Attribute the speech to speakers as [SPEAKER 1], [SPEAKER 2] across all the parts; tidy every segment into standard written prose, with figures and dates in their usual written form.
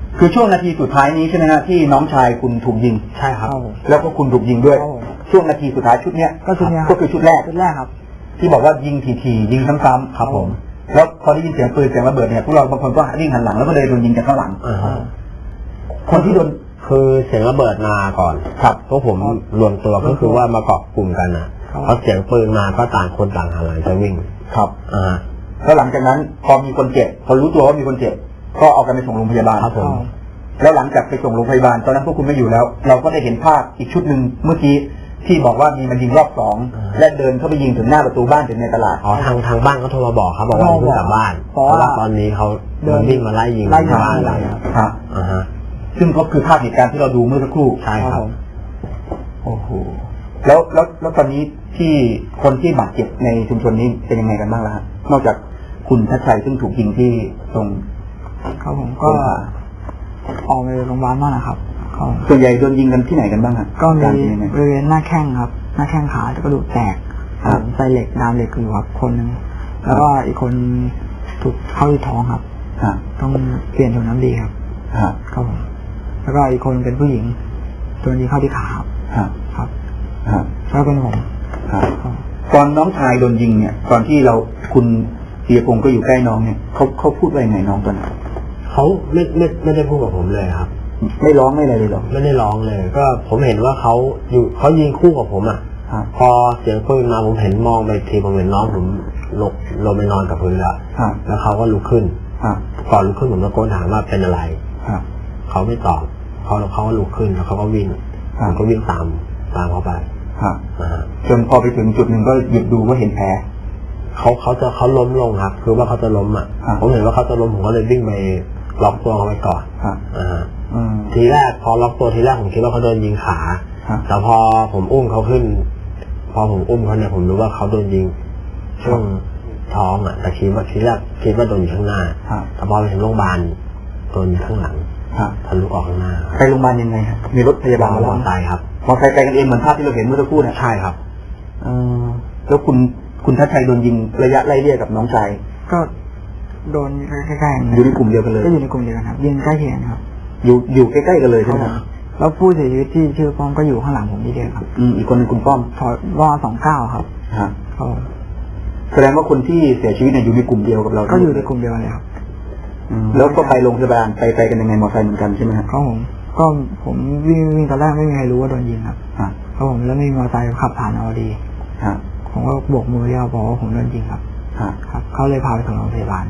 [SPEAKER 1] คือช่วงนาทีสุดท้ายนี้ใช่ไหมฮะที่น้องชายคุณถูกยิง
[SPEAKER 2] ใช่ครับ
[SPEAKER 1] แล้วก็คุณถูกยิงด้วยช่วงนาทีสุดท้ายชุดเนี้ยก็คือชุดแรก
[SPEAKER 2] ครับ
[SPEAKER 1] ที่บอกว่ายิงทียิงซ้ำๆครับผมแล้วพอได้ยินเสียงปืนเสียงระเบิดเนี่ยพวกเราบางคนก็วิ่งหันหลังแล้วก็เลยโดนยิงจากข้างหลังคนที่โดน
[SPEAKER 2] คือเสียงระเบิดมาก่อน
[SPEAKER 1] ครับ
[SPEAKER 2] พวกผมรวมตัวก็คือว่ามาเกาะกลุ่มกันนะพอเสียงปืนมาก็ต่างคนต่างหันหลังจะวิ่ง
[SPEAKER 1] ครับแล้วหลังจากนั้นพอมีคนเจ็บพอรู้ตัวว่ามีคนเจ็บก็เอากันไปส่งโรงพยาบาล
[SPEAKER 2] ครับผม
[SPEAKER 1] แล้วหลังจากไปส่งโรงพยาบาลตอนนั้นพวกคุณไม่อยู่แล้วเราก็ได้เห็นภาพอีกชุดหนึ่งเมื่อกี้ที่บอกว่ามีมันยิงรอบ2และเดินเข้าไปยิงถึงหน้าประตูบ้านถึงในตลาด
[SPEAKER 2] ทางบ้านเขาโทรมาบอกครับบอกว่าเพิ่งกลับบ้านเพราะว่าตอนนี้เขาเดินวิ่งมาไล่ยิงที่บ้านเลย
[SPEAKER 1] ครับซึ่งก็คือภาพเหตุการณ์ที่เราดูเมื่อสักครู่
[SPEAKER 2] ใช่ครับ
[SPEAKER 1] โอ้โหแล้วตอนนี้ที่คนที่บาดเจ็บในชุมชนนี้เป็นยังไงกันบ้างล่ะครับนอกจากคุณทัชชัยซึ่งถูกยิงที่ตรง
[SPEAKER 3] ครับผมก็ออกไปโรงพยาบาลมากนะครับ
[SPEAKER 1] ส่วนใหญ่โดนยิงกันที่ไหนกันบ้างครับ
[SPEAKER 3] ก็มีบริเวณหน้าแข้งครับหน้าแข้งขาจะกระดูกแตกใส่เหล็กดามเหล็กอยู่ครับคนนึงแล้วก็อีกคนถูกเข้าที่ท้องครับต้องเปลี่ยนถุงน้ำดีครับครับผมแล้วก็อีกคนเป็นผู้หญิงโดนยิงเข้าที่ขาครับแล้วเป็นผม
[SPEAKER 1] ตอนน้องชายโดนยิงเนี่ยตอนที่คุณเตียพงศ์ก็อยู่ใกล้น้องเนี่ยเขาพูดว่ายังไงน้องตอนนั้น
[SPEAKER 2] เขาไม่ได้พูดกับผมเลยครับ
[SPEAKER 1] ไม่ร้องไม่อะไรเลยหรอ
[SPEAKER 2] ไม่ได้ร้องเลยก็ผมเห็นว่าเขายิงคู่กับผมอ่ะพอเสียงปืนมาผมเห็นมองไปทีผมเห็นน้องผมลงไปนอนกับพื้นแล้วเขาก็ลุกขึ้นก่อนลุกขึ้นผมตะโกนถามว่าเป็นอะไรเขาไม่ตอบเขาก็ลุกขึ้นแล้วเขาก็วิ่งผมก็วิ่งตามเขาไป
[SPEAKER 1] จนพอไปถึงจุดหนึ่งก็หยุดดูว่าเห็นแผล
[SPEAKER 2] เขาล้มลงครับคือว่าเขาจะล้มอ่ะผมเห็นว่าเขาจะล้มผมก็เลยวิ่งไปล็อกตัวเขาไว้ก่อนทีแรกพอล็อกตัวทีแรกผมคิดว่าเขาโดนยิงขาแต่พอผมอุ้มเขาขึ้นพอผมอุ้มเขาเนี่ยผมรู้ว่าเขาโดนยิงช่วงท้องอ่ะแต่ทีแรกคิดว่าโดนอยู่ข้างหน้าแต่พอไปถึงโรงพยาบาลโดนข้างหลังทะลุออกข้างหน้า
[SPEAKER 1] ไปโรงพยาบาลยังไงครับมีรถพยาบาล
[SPEAKER 2] มาตายครับ
[SPEAKER 1] มอเตอร์ไซค์ไปกันเองเหมือนภาพที่เราเห็นเมื่อสักครู่เนี่ย
[SPEAKER 2] ใช่ครับ
[SPEAKER 1] แล้วคุณทัชชัยโดนยิงระยะไล่เลี่ยกับน้องชาย
[SPEAKER 3] ก็โดนใกล้ๆ
[SPEAKER 1] อยู่ในกลุ่มเดียวกันเลย
[SPEAKER 3] ก็อยู่ในกลุ่มเดียวกันครับยิงใกล้เคียงครับ
[SPEAKER 1] อยู่ใกล้ๆกันเลยใช่ไหมครับ
[SPEAKER 3] แล้วผู้เสียชีวิตที่ชื่อป้อมก็อยู่ข้างหลังผมที่เดียวครับ
[SPEAKER 1] อีกคนนึงคุณป้อม
[SPEAKER 3] ว่า29ครับ
[SPEAKER 1] แสดงว่าคนที่เสียชีวิตเนี่ยอยู่ในกลุ่มเดียวกับเรา
[SPEAKER 3] ก็อยู่ในกลุ่มเดียวกันเลยครับ
[SPEAKER 1] แล้วก็ไปโรงพยาบาลไปกันยังไงมอเตอร์ไซค์เหมือนกันใช่ไหมครับ
[SPEAKER 3] ผมวิ่งตอนแรกไม่มีใครรู้ว่าโดนยิงครับครับผมแล้วมีมอเตอร์ไซค์ขับผ่านเอาดีผมก็โบกมือย่อบอกว่าผมโดนยิงครับครับเขาเลยพาไปส่งโรงพยาบาล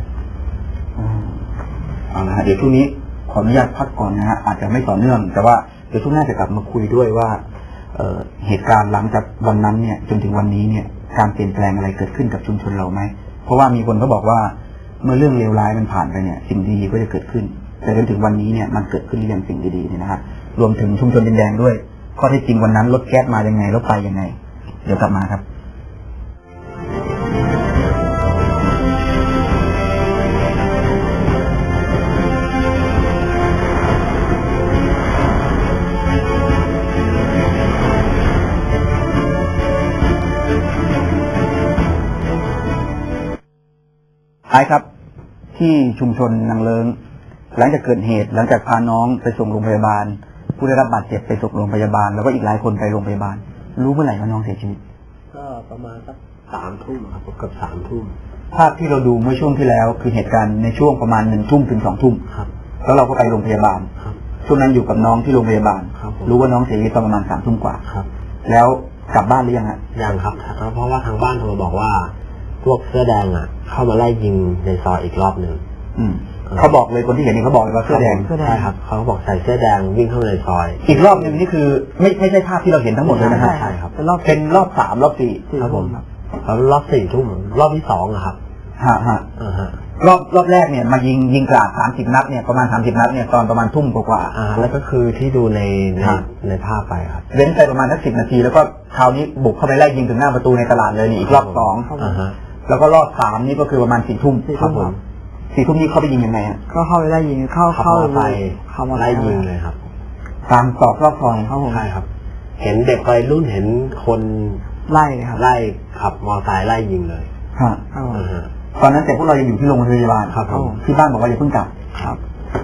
[SPEAKER 1] เอาละเดี๋ยวช่วงนี้ขออนุญาตพักก่อนนะฮะอาจจะไม่ต่อเนื่องแต่ว่าเดี๋ยวช่วงหน้าจะกลับมาคุยด้วยว่าเหตุการณ์หลังจากวันนั้นเนี่ยจนถึงวันนี้เนี่ยการเปลี่ยนแปลงอะไรเกิดขึ้นกับชุมชนเราไหมเพราะว่ามีคนเขาบอกว่าเมื่อเรื่องเลวร้ายมันผ่านไปเนี่ยสิ่งดีก็จะเกิดขึ้นแต่จนถึงวันนี้เนี่ยมันเกิดขึ้นหรือยังสิ่งดีๆเนี่ยนะฮะรวมถึงชุมชนดินแดงด้วยข้อเท็จจริงวันนั้นรถแก๊สมายังไงรถไปยังไงเดี๋ยวกลับมาครับท้ายครับที่ชุมชนนางเลิงหลังจากเกิดเหตุหลังจากพาน้องไปส่งโรงพยาบาลผู้ได้รับบาดเจ็บไปส่งโรงพยาบาลแล้วก็อีกหลายคนไปโรงพยาบาลรู้เมื่อไหร่ว่าน้องเสียชีวิต
[SPEAKER 2] ก็ประมาณสัก3 ทุ่มครับเกือบ3 ทุ่ม
[SPEAKER 1] ภาพที่เราดูเมื่อช่วงที่แล้วคือเหตุการณ์ในช่วงประมาณ1 ทุ่มถึง2 ทุ่ม
[SPEAKER 2] ครับ
[SPEAKER 1] แล้วเราก็ไปโรงพยาบาลช่วงนั้นอยู่กับน้องที่โรงพยาบาลรู้ว่าน้องเสียชีวิตตอนประมาณ3 ทุ่มกว่า
[SPEAKER 2] ครับ
[SPEAKER 1] แล้วกลับบ้านหรือยังฮะ
[SPEAKER 2] ยังครับเพราะว่าทางบ้านโทรมาบอกว่าพวกเสื้อแดงอ่ะเข้ามาไล่ยิงในซอยอีกรอบหนึ่ง
[SPEAKER 1] เขาบอกเลยคนที่เห็นนี่เขาบอกเลยว่าเสื้อแดง
[SPEAKER 2] ใช่ครับเขาบอกใส่เสื้อแดงวิ่งเข้ามาในซอย
[SPEAKER 1] อีกรอบหนึ่งนี่คือไม่ใช่ภาพที่เราเห็นทั้งหมดเลยนะฮะ
[SPEAKER 2] ใช่ครับ
[SPEAKER 1] เป็นรอบ3 รอบ 4
[SPEAKER 2] ครับผมแล้วรอบ4 ทุ่มรอบที่2อะครับ
[SPEAKER 1] รอบแรกเนี่ยมายิงกราด30 นัดเนี่ยประมาณ30 นัดเนี่ยตอนประมาณทุ่มกว่า
[SPEAKER 2] แล้วก็คือที่ดูในภาพไปครับ
[SPEAKER 1] เว้นไปประมาณสัก10 นาทีแล้วก็คราวนี้บุกเข้าไปไล่ยิงถึงหน้าประตูในตลาดเลยนี่อีกรอบ2แล้วก็รอบ3นี่ก็คือประมาณ4 ทุ่ม
[SPEAKER 2] ครับผม
[SPEAKER 1] 4 ทุ่มนี้เข้าไปยิงยังไงฮะ
[SPEAKER 3] ก็เข้าไปไล่ยิงเข้า
[SPEAKER 2] ไปไล่ยิงเลยครับ
[SPEAKER 1] ตามตอกรอบซอย
[SPEAKER 2] ครับผมใช่ครับเห็นเด็กวัยรุ่นเห็นคน
[SPEAKER 3] ไล่ครับ
[SPEAKER 2] ไล่ขับมอเตอร์ไซค์ไล่ยิงเลย
[SPEAKER 1] ตอนนั้นแต่พวกเรายังอยู่ที่โรงพยาบาล
[SPEAKER 2] ครับ
[SPEAKER 1] ที่บ้านบอกว่าอย่าเพิ่งกลับ
[SPEAKER 3] ครับ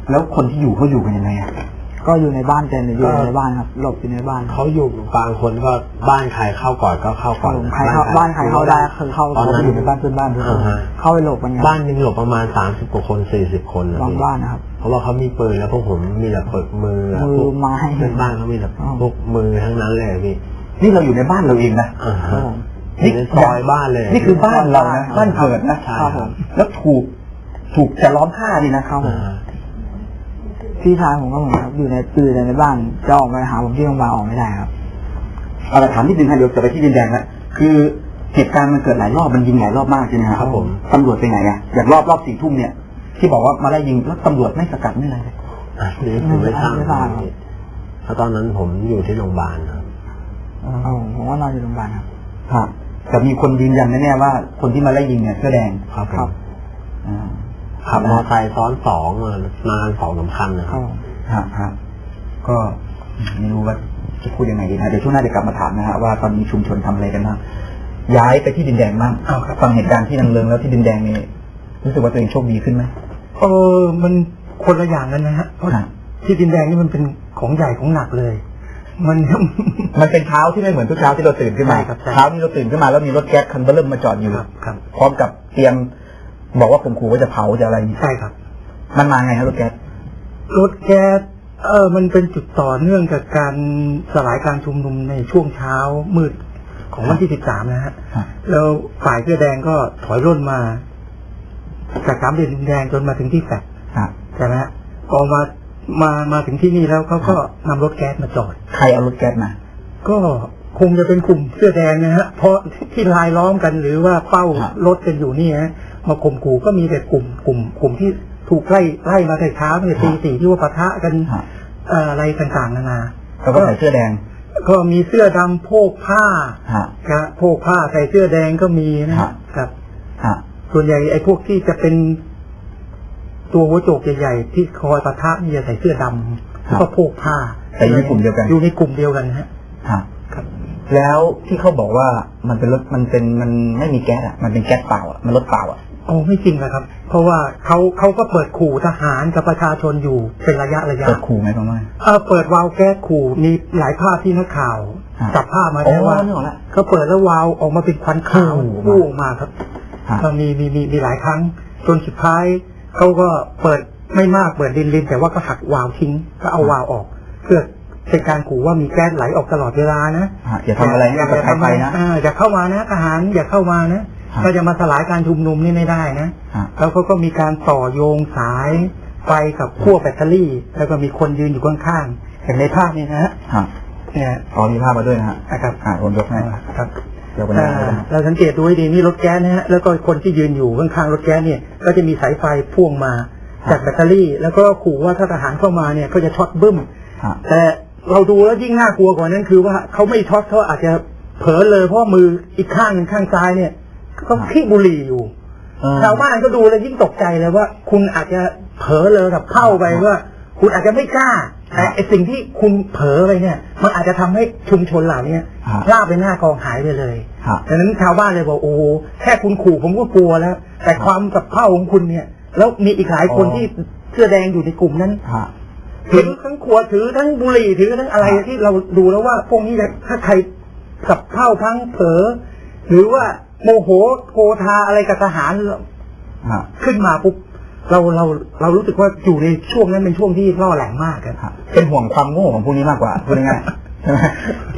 [SPEAKER 1] แล้วคนที่อยู่เขาอยู่กันยังไงอ่ะ
[SPEAKER 3] ก็อยู่ในบ้านกันอยู่ในบ้านครับหลบอยู่ในบ้าน
[SPEAKER 2] เขาอยู่บางคนก็บ้านใครเข้าก่อนก็เข้าก่อน
[SPEAKER 3] ใครเข้าบ้านใครเข้าได้คือเข้า
[SPEAKER 1] ตอนนั้นอยู่ในบ้านเพื่อนบ้านด้วย
[SPEAKER 3] เข้าไปหลบกัน
[SPEAKER 2] บ้านนึงหลบประมาณ30 กว่าคน40 คนนะ
[SPEAKER 3] บางบ้านนะครับ
[SPEAKER 2] เพราะว่าเขามีปืนแล้วพวกผมมีแต่ปืนมือพวก
[SPEAKER 3] ไม้
[SPEAKER 2] เพื่อนบ้านเขามีแต่พวกมือทั้งนั้นเลยพี่
[SPEAKER 1] นี่เราอยู่ในบ้านเราเองนะ
[SPEAKER 2] นี่ในซอยบ้านเลย
[SPEAKER 1] นี่คือบ้านเรานะบ้านเกิดนะครับผมแล้วถูกจะล้อมผ้านี่นะครับผม
[SPEAKER 3] พี่ชายผมก็เหมือนครับอยู่ในบ้านจะออกมาหาผมที่โรงพยาบาลออกไม่ได้ครับ
[SPEAKER 1] เอาละถามนิดนึงครับเดี๋ยวจะไปที่ดินแดงแล้วคือเหตุการณ์มันเกิดหลายรอบมันยิงหลายรอบมากใช่ไหมครับผมตำรวจไปไหนอ่ะอย่างรอบ4 ทุ่มเนี่ยที่บอกว่ามาไล่ยิงแล้วตำรวจไม่สกัดไม่อะไรเลย
[SPEAKER 2] นี่ผมไม่ทราบเพราะตอนนั้นผมอยู่ที่โรงพยาบาลครับ
[SPEAKER 3] ผมว่านอนอยู่โรงพยาบาลครับ
[SPEAKER 1] ครับแต่มีคนยืนยันแน่ๆว่าคนที่มาไล่ยิงเนี่ยเสื้อแดง
[SPEAKER 2] ครับ
[SPEAKER 1] อ่า
[SPEAKER 2] ขับมอเตอร์ไซค์ซ้อน2มากัน2-3 คันนะครับ
[SPEAKER 1] ครับก็ไม่รู้ว่าจะพูดยังไงดีนะเดี๋ยวช่วงหน้าจะกลับมาถามนะฮะว่าตอนนี้ชุมชนทำอะไรกันบ้างย้ายไปที่ดินแดงบ้างฟังเหตุการณ์ที่นางเลิงแล้วที่ดินแดงนี่รู้สึกว่าตัวเองโชคดีขึ้นไหม
[SPEAKER 4] มันคนละอย่างกันนะฮะเพราะที่ดินแดงนี่มันเป็นของใหญ่ของหนักเลย มัน
[SPEAKER 1] เป็นเช้าที่ไม่เหมือนทุกเช้าที่เราตื่นขึ้นมาเช้าที่เราตื่นขึ้นมาแล้วมีรถแก๊สคันเบอร์เริ่มมาจอดอยู่พร้อมกับเตรียมบอกว่าข่มขู่ว่าจะเผาจะอะไร
[SPEAKER 4] ใช่ครับ
[SPEAKER 1] มันมาไงครับรถแก๊ส
[SPEAKER 4] มันเป็นจุดต่อเนื่องจากการสลายการชุมนุมในช่วงเช้ามืดของวันที่13นะฮะแล้วฝ่ายเสื้อแดงก็ถอยร่นมาจาก3 เหลี่ยมดินแดงจนมาถึงที่แฟลตใช่ไหมฮะพอมาถึงที่นี่แล้วเขาก็นำรถแก๊สมาจอด
[SPEAKER 1] ใครเอารถแก๊สมา
[SPEAKER 4] ก็คงจะเป็นกลุ่มเสื้อแดงนะฮะเพราะที่ลายล้อมกันหรือว่าเป้ารถกันอยู่นี่ฮะมาข่มขู่ก็มีแต่กลุ่มที่ถูกไล่มาแต่เช้าตั้งแต่ตี 4ที่ว่าปะทะกันอะไรต่างๆนานา
[SPEAKER 1] แล้วก็ใส่เสื้อแดง
[SPEAKER 4] ก็มีเสื้อดำโพกผ้าโพกผ้าใส่เสื้อแดงก็มีนะครับส่วนใหญ่ไอ้พวกที่จะเป็นตัวหัวโจกใหญ่ๆที่คอยปะทะนี่จะใส่เสื้อดำแล้วก็โพกผ้า
[SPEAKER 1] แต่อยู่ในกลุ่มเดียวกัน
[SPEAKER 4] อยู่ในกลุ่มเดียวกันฮะ
[SPEAKER 1] ครับแล้วที่เขาบอกว่ามันเป็นรถมันไม่มีแก๊สอ่ะมันเป็นแก๊สเปล่าอ่ะมันรถเปล่าอ่ะ
[SPEAKER 4] ไม่จริงนะครับเพราะว่าเขาก็เปิดขู่ทหารกับประชาชนอยู่เป็นระยะ
[SPEAKER 1] เปิดขู่ไหมประมาณ
[SPEAKER 4] เปิดวาล์วแก๊สขู่มีหลายภาพที่นักข่าวจับภาพมาแล้วว่าเขาเปิดแล้ววาล์วออกมาเป็นควันขาวพุ่งมาครับมีหลายครั้งจนสุดท้ายเขาก็เปิดไม่มากเปิดลินแต่ว่าก็หักวาล์วทิ้งก็เอาวาล์วออกเพื่อเป็นการขู่ว่ามีแก๊สไหลออกตลอดเวลานะ
[SPEAKER 1] อย่าทำอะไรให้กับใครไปนะ
[SPEAKER 4] อย่าเข้ามานะทหารอย่าเข้ามานะก็จะมาสลายการชุมนุมนี่ไม่ได้นะแล้วเขาก็มีการต่อโยงสายไฟกับขั้วแบตเตอรี่แล้วก็มีคนยืนอยู่ข้างๆอย่างในภาพนี้นะฮะ
[SPEAKER 1] เนี่ยมีภาพมาด้วยนะฮะ
[SPEAKER 4] ครับ
[SPEAKER 1] ผมยกให้
[SPEAKER 4] ครับเราสังเกตดูให้ดีนี่รถแก๊สนะฮะแล้วก็คนที่ยืนอยู่ข้างๆรถแก๊สเนี่ยก็จะมีสายไฟพ่วงมาจากแบตเตอรี่แล้วก็ขู่ว่าถ้าทหารเข้ามาเนี่ยก็จะช็อตบึ้มแต่เราดูแล้วยิ่งน่ากลัวกว่านั้นคือว่าเขาไม่ช็อตเขาอาจจะเผลอเลยเพราะมืออีกข้างหนึ่งข้างซ้ายเนี่ยก็ขี้บุหรี่อยู่ชาวบ้านก็ดูแล้วยิ่งตกใจเลยว่าคุณอาจจะเผลอเลยกับเข้าไปว่าคุณอาจจะไม่กล้าแต่ไอสิ่งที่คุณเผลอไปเนี่ยมันอาจจะทำให้ชุมชนเหล่านี้ลาบไปหน้ากองหายไปเลยดังนั้นชาวบ้านเลยบอกโอ้แค่คุณขู่ผมก็กลัวแล้วแต่ความกับเข้าของคุณเนี่ยแล้วมีอีกหลายคนที่เสื้อแดงอยู่ในกลุ่มนั้นถือทั้งขวดถือทั้งบุหรี่ถือทั้งอะไรที่เราดูแล้วว่าพวกนี้ถ้าใครกับเข้าทั้งเผลอหรือว่าโมโหโกธาอะไรกับทหารขึ้นมาปุ๊บเรารู้สึกว่าอยู่ในช่วงนั้นเป็นช่วงที่ล่อแหลมมากครับ
[SPEAKER 1] เป็นห่วงความโง่ของพวกนี้มากกว่าพูดง่ายๆ